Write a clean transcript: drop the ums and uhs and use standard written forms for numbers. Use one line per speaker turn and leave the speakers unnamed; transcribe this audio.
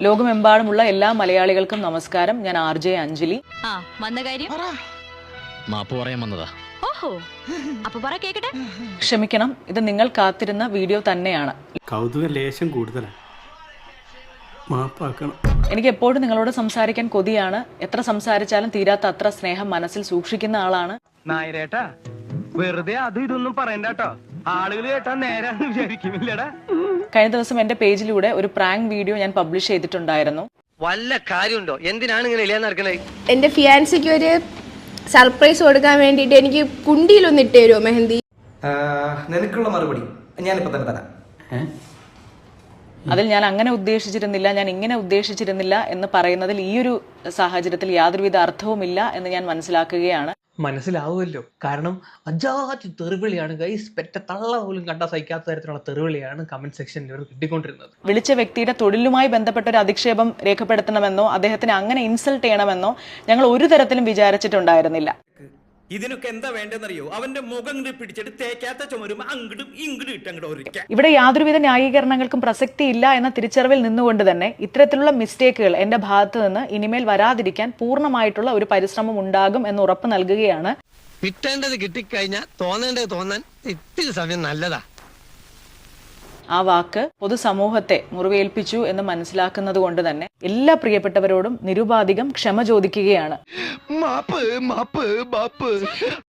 ലോകമെമ്പാടുമുള്ള എല്ലാ മലയാളികൾക്കും നമസ്കാരം. ഞാൻ RJ അഞ്ജലി.
മാപ്പ് പറയാൻ വന്നതാ.
ക്ഷമിക്കണം, ഇത് നിങ്ങൾ കാത്തിരുന്ന വീഡിയോ തന്നെയാണ്.
കൗതുക ലേശം കൂടുതലാണ്, മാപ്പാക്കണം.
എനിക്ക് എപ്പോഴും നിങ്ങളോട് സംസാരിക്കാൻ കൊതിയാണ്. എത്ര സംസാരിച്ചാലും തീരാത്ത അത്ര സ്നേഹം മനസ്സിൽ സൂക്ഷിക്കുന്ന ആളാണ്.
നായരേട്ടാ, വെറുതെ അതും ഇതൊന്നും പറയണ്ടോ, ആളുകൾ കേട്ടാ നേരാന്ന് വിചാരിക്കുന്നില്ലടാ.
കഴിഞ്ഞ ദിവസം എന്റെ പേജിലൂടെ ഒരു പ്രാങ്ക് വീഡിയോ ഞാൻ പബ്ലിഷ് ചെയ്തിട്ടുണ്ടായിരുന്നു.
വല്ല കാര്യമുണ്ടോ? എന്തിനാണ് ഇങ്ങനെ ഇല്ലാന്ന് നടക്കണേ?
എന്റെ ഫിയാൻസിക്ക് ഒരു സർപ്രൈസ് കൊടുക്കാൻ വേണ്ടിട്ട് എനിക്ക് കുണ്ടിയിലൊന്ന് ഇട്ട് തരുമോ മെഹന്തി?
നിനക്കുള്ള മറുപടി ഞാനിപ്പോ തന്നെ തരാം.
അതിൽ ഞാൻ അങ്ങനെ ഉദ്ദേശിച്ചിരുന്നില്ല, ഞാൻ ഇങ്ങനെ ഉദ്ദേശിച്ചിരുന്നില്ല എന്ന് പറയുന്നതിൽ ഈ ഒരു സാഹചര്യത്തിൽ യാതൊരുവിധ അർത്ഥവുമില്ല എന്ന് ഞാൻ മനസ്സിലാക്കുകയാണ്.
മനസ്സിലാവുമല്ലോ, കാരണം അജാതി തെറിവിളിയാണ് ഗൈസ്. പെറ്റ തള്ള പോലും കണ്ടാൽ സഹിക്കാത്ത തരത്തിലുള്ള തെറിവിളിയാണ് കമന്റ് സെക്ഷനിൽ ഇവർ കിട്ടിക്കൊണ്ടിരുന്നത്.
വിളിച്ച വ്യക്തിയുടെ തൊഴിലുമായി ബന്ധപ്പെട്ട ഒരു അധിക്ഷേപം രേഖപ്പെടുത്തണമെന്നോ അദ്ദേഹത്തിന് അങ്ങനെ ഇൻസൾട്ട് ചെയ്യണമെന്നോ ഞങ്ങൾ ഒരു തരത്തിലും വിചാരിച്ചിട്ടുണ്ടായിരുന്നില്ല.
ഇതിനൊക്കെ എന്താ വേണ്ടെന്നറിയോ? അവന്റെ മുഖം പിടിച്ചിട്ട് തേക്കാത്ത ചുമരും അങ്ങോട്ടും ഇങ്ങോട്ടും ഇട്ടങ്ങോട്ട്.
ഇവിടെ യാതൊരുവിധ ന്യായീകരണങ്ങൾക്കും പ്രസക്തിയില്ല എന്ന തിരിച്ചറിവിൽ നിന്നുകൊണ്ട് തന്നെ ഇത്തരത്തിലുള്ള മിസ്റ്റേക്കുകൾ എന്റെ ഭാഗത്ത് നിന്ന് ഇനിമേൽ വരാതിരിക്കാൻ പൂർണ്ണമായിട്ടുള്ള ഒരു പരിശ്രമം ഉണ്ടാകും എന്ന് ഉറപ്പ് നൽകുകയാണ്.
കിട്ടേണ്ടത് കിട്ടിക്കഴിഞ്ഞാൽ തോന്നേണ്ടത് തോന്നാൻ ഇത്തിരി സമയം നല്ലതാ.
ആ വാക്ക് പൊതുസമൂഹത്തെ മുറിവേൽപ്പിച്ചു എന്ന് മനസ്സിലാക്കുന്നത് കൊണ്ട് തന്നെ എല്ലാ പ്രിയപ്പെട്ടവരോടും നിരുപാധികം ക്ഷമ ചോദിക്കുകയാണ്.